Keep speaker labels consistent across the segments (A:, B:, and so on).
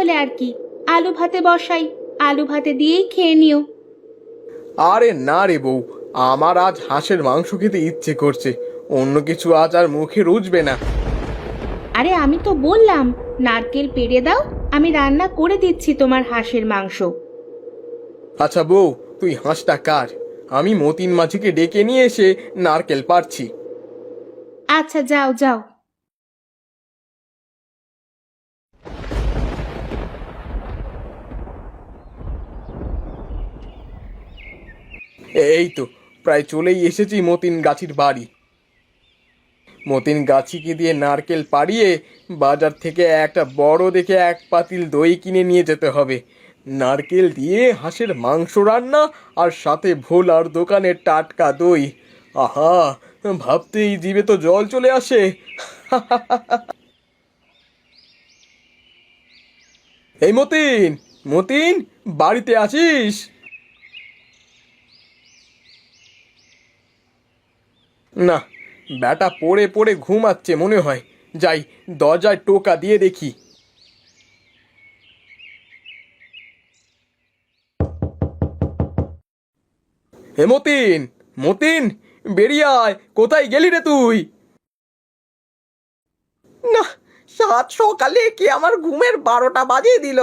A: তাহলে আর কি, আলু ভাতে বসাই, আলু ভাতে দিয়েই খেয়ে নিও।
B: আরে না রে বউ, আমার আজ হাঁসের মাংস খেতে ইচ্ছে করছে, অন্য কিছু আজ আর মুখে রুচবে না।
A: আরে আমি তো বললাম নারকেল পেড়ে দাও, আমি রান্না করে দিচ্ছি তোমার হাঁসের মাংস।
B: আচ্ছা বউ, তুই হাঁসটা কাট, আমি মতিন মাঝিকে ডেকে নিয়ে এসে নারকেল পাড়ছি।
A: আচ্ছা যাও যাও।
B: এই তো প্রায় চলেই এসেছি মতিন গাছির বাড়ি। মতিন গাছিকে দিয়ে নারকেল পাড়িয়ে বাজার থেকে একটা বড় দেখে এক পাতিল দই কিনে নিয়ে যেতে হবে। নারকেল দিয়ে হাঁসের মাংস রান্না, আর সাথে ভোলার দোকানের টাটকা দই। আহা, ভাবতেই জিভে তো জল চলে আসে। এই মতিন, মতিন, বাড়িতে আছিস? না, ব্যাটা পড়ে পড়ে ঘুমাচ্ছে মনে হয়। যাই, দরজায় টোকা দিয়ে দেখি। হে মতিন, মতিন, বেরিয়ে আয়, কোথায় গেলি রে তুই? না, সাত সকালে কি আমার ঘুমের 12টা বাজিয়ে দিল।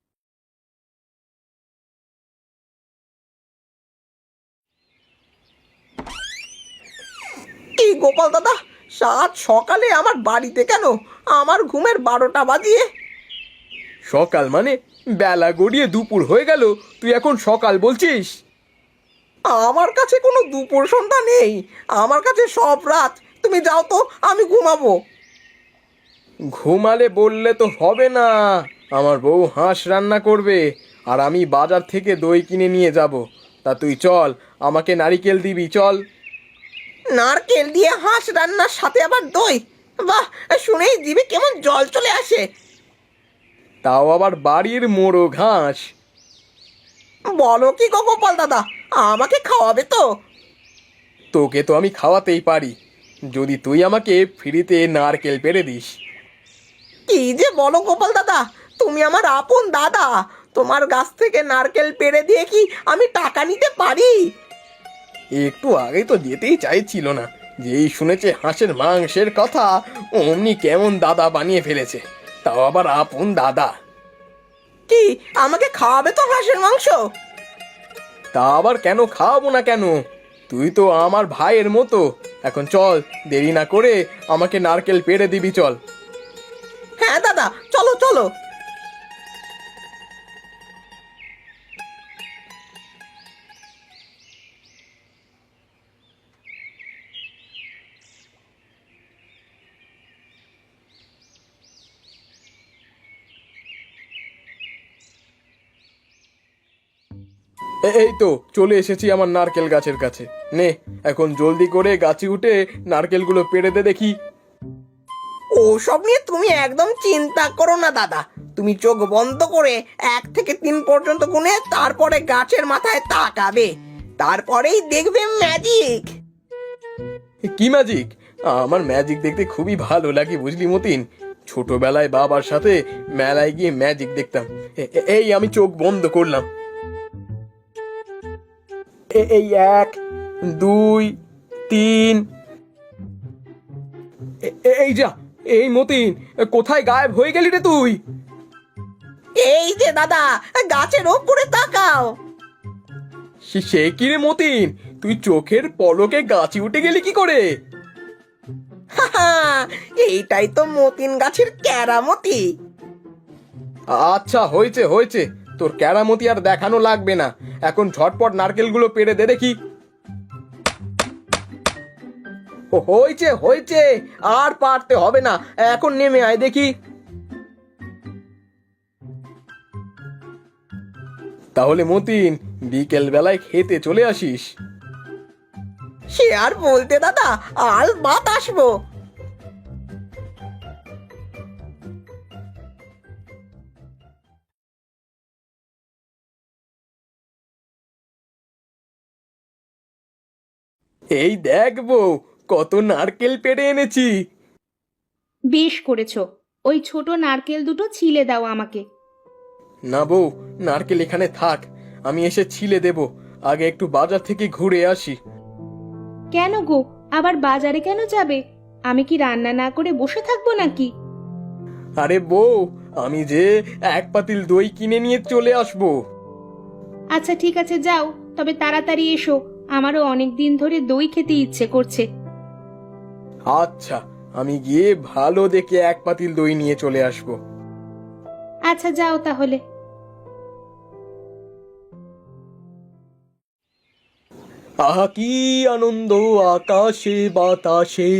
B: কি গোপাল দাদা, সাত সকালে আমার বাড়িতে কেন, আমার ঘুমের 12টা বাজিয়ে? সকাল মানে বেলা গড়িয়ে দুপুর হয়ে গেল, তুই এখন সকাল বলছিস? আমার কাছে কোনো দুপুর সন্ধ্যা নেই, আমার কাছে সব রাত। তুমি যাও তো, আমি ঘুমাবো। ঘুমালে বললে তো হবে না, আমার বউ হাঁস রান্না করবে, আর আমি বাজার থেকে দই কিনে নিয়ে যাব। তা তুই চল, আমাকে নারিকেল দিবি, চল। নারকেল দিয়ে হাঁস রান্নার সাথে আবার দই? বাহ, শুনেই জিভে কেমন জল চলে আসে। তাও আবার বাড়ির মোড়ো ঘাস। বলো কি গো গোপাল দাদা, আমাকে খাওয়াবে তো? তোকে তো আমি খাওয়াতেই পারি, যদি তুই আমাকে ফ্রিতে নারকেল পেড়ে দিস। কি যে বলো গোপাল দাদা, তুমি আমার আপন দাদা, তোমার গাছ থেকে নারকেল পেড়ে দিয়ে কি আমি টাকা নিতে পারি? একটু আগেই তো যেতেই চাইছিল না, যেই শুনেছে হাঁসের মাংসের কথা, অমনি কেমন দাদা বানিয়ে ফেলেছে, তাও আবার আপন দাদা। কি, আমাকে খাওয়াবে তো হাঁসের মাংস? তা আবার কেন খাওয়াবো না কেন, তুই তো আমার ভাইয়ের মতো। এখন চল, দেরি না করে আমাকে নারকেল পেড়ে দিবি, চল। হ্যাঁ দাদা, চলো চলো। এই তো চলে এসেছি আমার নারকেল গাছের কাছে। নে, এখন জলদি করে গাছে উঠে নারকেলগুলো পেড়ে দে দেখি। ওসব নিয়ে তুমি একদম চিন্তা করো না দাদা, তুমি চোখ বন্ধ করে 1 থেকে 3 পর্যন্ত গুনে তারপরে গাছের মাথায় তাকাবে, তারপরেই দেখবে ম্যাজিক। কি ম্যাজিক? আমার ম্যাজিক দেখতে খুবই ভালো লাগে বুঝলি মতিন, ছোটবেলায় বাবার সাথে মেলায় গিয়ে ম্যাজিক দেখতাম। এই আমি চোখ বন্ধ করলাম, এই 1, 2, 3। এই যা, এই মতিন, কোথায় গায়েব হয়ে গেলি রে তুই? এই যে দাদা, গাছের ওপরে তাকাও। সে কি রে মতিন, তুই চোখের পলকে গাছে উঠে গেলি কি করে? এইটাই তো মতিন গাছের কেরামতি। আচ্ছা, হয়েছে হয়েছে, তোর কেরামতি আর দেখানো লাগবে না, এখন ঝটপট নারকেলগুলো পেড়ে দে দেখি। হয়েছে হয়েছে, আর পারতে হবে না, এখন নেমে আয় দেখি। তাহলে মতিন, বিকেল বেলায় খেতে চলে আসিস। সে আর বলতে দাদা, আল বাত আসবো। এই দেখবো কত নারকেল পেড়ে এনেছি।
A: বেশ করেছো, ওই ছোট নারকেল দুটো ছিলে দাও আমাকে।
B: না বউ, নারকেল এখানে থাক, আমি এসে ছিলে দেব। আগে একটু বাজার থেকে ঘুরে আসি।
A: কেন গো, আবার বাজারে কেন যাবে? আমি কি রান্না না করে বসে থাকবো নাকি?
B: আরে বউ, আমি যে এক পাতিল দই কিনে নিয়ে চলে আসবো।
A: আচ্ছা ঠিক আছে, যাও, তবে তাড়াতাড়ি এসো, আমারও অনেক দিন ধরে দই খেতে ইচ্ছে করছে।
B: আচ্ছা, আমি গিয়ে ভালো দেখে এক পাতিল দই নিয়ে চলে আসবো।
A: আচ্ছা যাও তাহলে।
B: আহা কি আনন্দ আকাশে বাতাসে।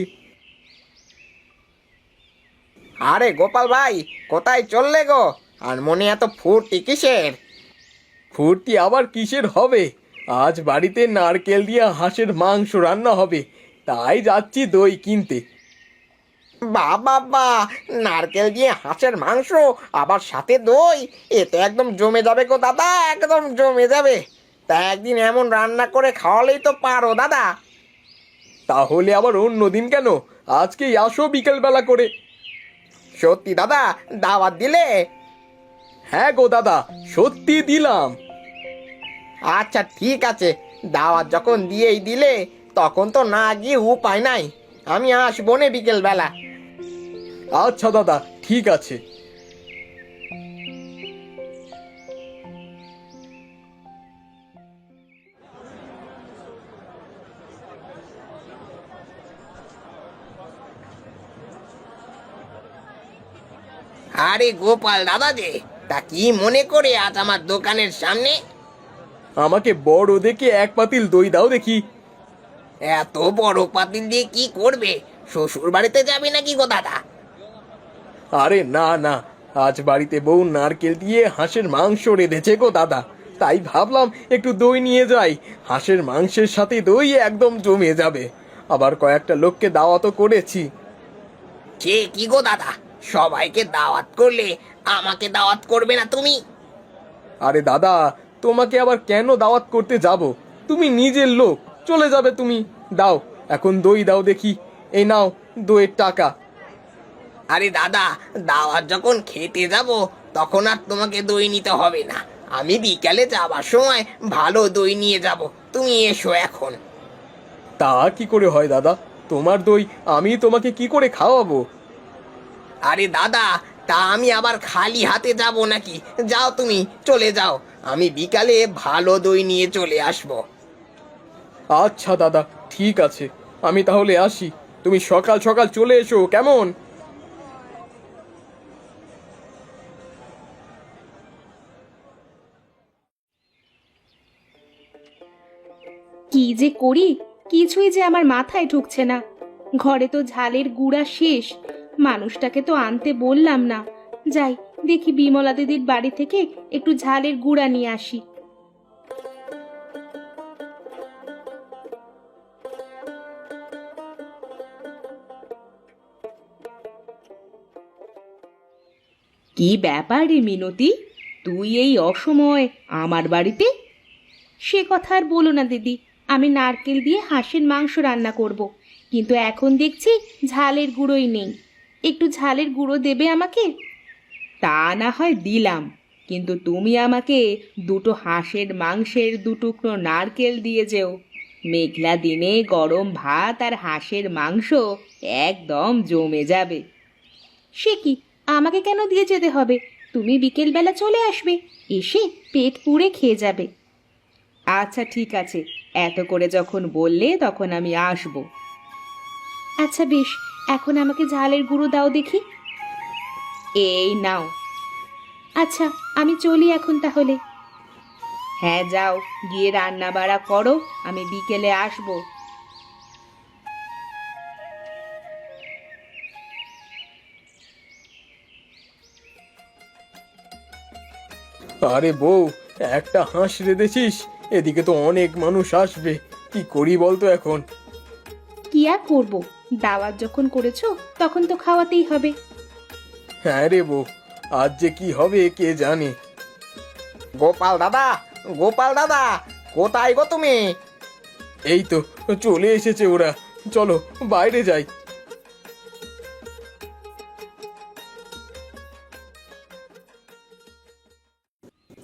C: আরে গোপাল ভাই, কোথায় চললে গো? আর মনে এত ফুর্তি কিসের?
B: ফুর্তি আবার কিসের হবে? আজ বাড়িতে নারকেল দিয়ে হাঁসের মাংস রান্না হবে, তাই যাচ্ছি দই কিনতে।
C: বাবা, নারকেল দিয়ে হাঁসের মাংস, আবার সাথে দই, এ তো একদম জমে যাবে গো দাদা, একদম জমে যাবে। তা একদিন এমন রান্না করে খাওয়ালেই তো পারো দাদা।
B: তাহলে আবার অন্য দিন কেন? আজকেই আসো বিকেল বেলা করে।
C: সত্যি দাদা, দাওয়াত দিলে?
B: হ্যাঁ গো দাদা, সত্যি দিলাম।
C: আচ্ছা ঠিক আছে, দাওয়াত যখন দিয়েই দিলে, তখন তো না গিয়ে উপায় নাই। আমি আসবো নে বিকেল বেলা।
B: আচ্ছা দাদা, ঠিক আছে।
C: আরে গোপাল দাদা যে, তা কি মনে করে আজ আমার দোকানের সামনে?
B: আমাকে বড় দেখে এক পাতিল দই দাও দেখি।
C: এত বড় পাতিল দিয়ে কি করবে? শ্বশুর বাড়িতে যাবে নাকি গো দাদা?
B: আরে না না, আজ বাড়িতে বউ নারকেল দিয়ে হাঁসের মাংস রেঁধেছে গো দাদা, তাই ভাবলাম একটু দই নিয়ে যাই। হাঁসের মাংসের সাথে দই একদম জমে যাবে। আবার কয়েকটা লোককে দাওয়াতও করেছি।
C: সে কি গো দাদা, সবাইকে দাওয়াত করলে আমাকে দাওয়াত করবে না তুমি?
B: আরে দাদা, তোমাকে আবার কেন দাওয়াত করতে যাব? তুমি নিজের লোক, চলে যাবে তুমি। দাও, এখন দই দাও দেখি। এই নাও দইয়ের টাকা।
C: আরে দাদা, দাওয়াত যখন খেতে যাব, তখন আর তোমাকে দই নিতে হবে না। আমি বিকালে যাবার সময় ভালো দই নিয়ে যাব, তুমি এসো এখন।
B: তা কি করে হয় দাদা? তোমার দই আমি তোমাকে কি করে খাওয়াবো?
C: আরে দাদা, তা আমি আবার খালি হাতে যাব নাকি? যাও তুমি, চলে যাও, আমি বিকালে ভালো দই নিয়ে চলে আসবো।
B: আচ্ছা দাদা, ঠিক আছে, আমি তাহলে আসি। তুমি সকাল সকাল চলে এসো কেমন?
A: কি যে করি, কিছুই যে আমার মাথায় ঢুকছে না। ঘরে তো ঝালের গুঁড়া শেষ, মানুষটাকে তো আনতে বললাম না। যাই, দেখি বিমলা দিদির বাড়ি থেকে একটু ঝালের গুঁড়া নিয়ে আসি। কি ব্যাপার রে মিনতি, তুই এই অসময় আমার বাড়িতে? সে কথা আর বলো না দিদি, আমি নারকেল দিয়ে হাঁসের মাংস রান্না করব, কিন্তু এখন দেখছি ঝালের গুঁড়োই নেই। একটু ঝালের গুঁড়ো দেবে আমাকে? তা না হয় দিলাম, কিন্তু তুমি আমাকে দুটো হাঁসের মাংসের দুটুকরো নারকেল দিয়ে যেও। মেঘলা দিনে গরম ভাত আর হাঁসের মাংস একদম জমে যাবে। সে কি, আমাকে কেন দিয়ে যেতে হবে? তুমি বিকেলবেলা চলে আসবে, এসে পেট পুড়ে খেয়ে যাবে। আচ্ছা ঠিক আছে, এত করে যখন বললে তখন আমি আসব। আচ্ছা বেশ, এখন আমাকে ঝালের গুঁড়ো দাও দেখি। এই নাও। আচ্ছা, আমি চলি এখন তাহলে। হ্যাঁ যাও, গিয়ে রান্না বাড়া করো, আমি বিকেলে আসব।
B: আরে বউ, একটা হাঁস রেঁধেছিস, এদিকে তো অনেক মানুষ আসবে, কি করি বলতো এখন?
A: কি আর করবো, দাওয়াত যখন করেছো তখন তো খাওয়াতেই হবে।
B: হ্যাঁ রে বউ, আজ যে কি হবে কে জানে।
C: গোপাল দাদা, গোপাল দাদা, কোথায় গো তুমি?
B: এই তো চলে এসেছে ওরা, চলো বাইরে যাই।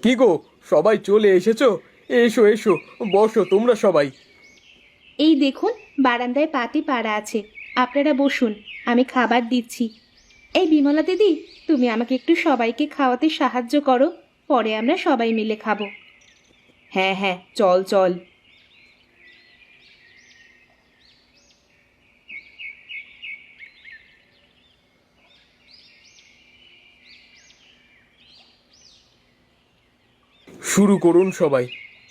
B: কি গো, সবাই চলে এসেছো? এসো এসো, বসো তোমরা সবাই।
A: এই দেখুন, বারান্দায় পাতি পাড়া আছে, আপনারা বসুন, আমি খাবার দিচ্ছি। এই বিমলা দিদি, তুমি আমাকে একটু সবাইকে খাওয়াতে সাহায্য করো, পরে আমরা সবাই মিলে খাবো। হ্যাঁ হ্যাঁ, চল চল।
B: শুরু করুন সবাই।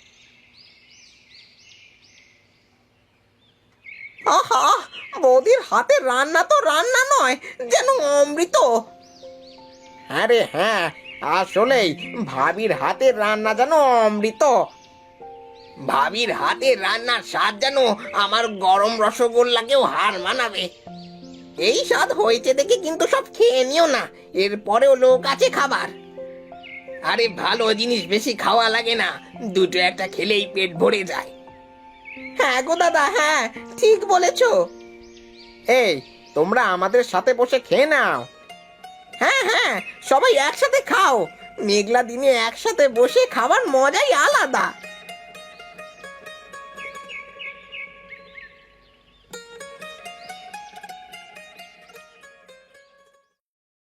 C: আহা, বৌদির হাতের রান্না তো রান্না নয়, যেন অমৃত। আরে হ্যাঁ, আসলেই ভাবির হাতের রান্না যেন অমৃত। ভাবির হাতের রান্নার স্বাদ যেন আমার গরম রসগোল্লাকেও হার মানাবে। এই স্বাদ হয়েছে দেখে কিন্তু সব খেয়ে নিও না, এরপরেও লোক আছে খাবার। আরে ভালো জিনিস বেশি খাওয়া লাগে না, দুটো একটা খেলেই পেট ভরে যায়। হ্যাঁ গো দাদা, হ্যাঁ ঠিক বলেছো। এই, তোমরা আমাদের সাথে বসে খেয়ে নাও। হ্যাঁ হ্যাঁ, সবাই একসাথে খাও, মেঘলা দিনে একসাথে বসে খাবার মজাই আলাদা।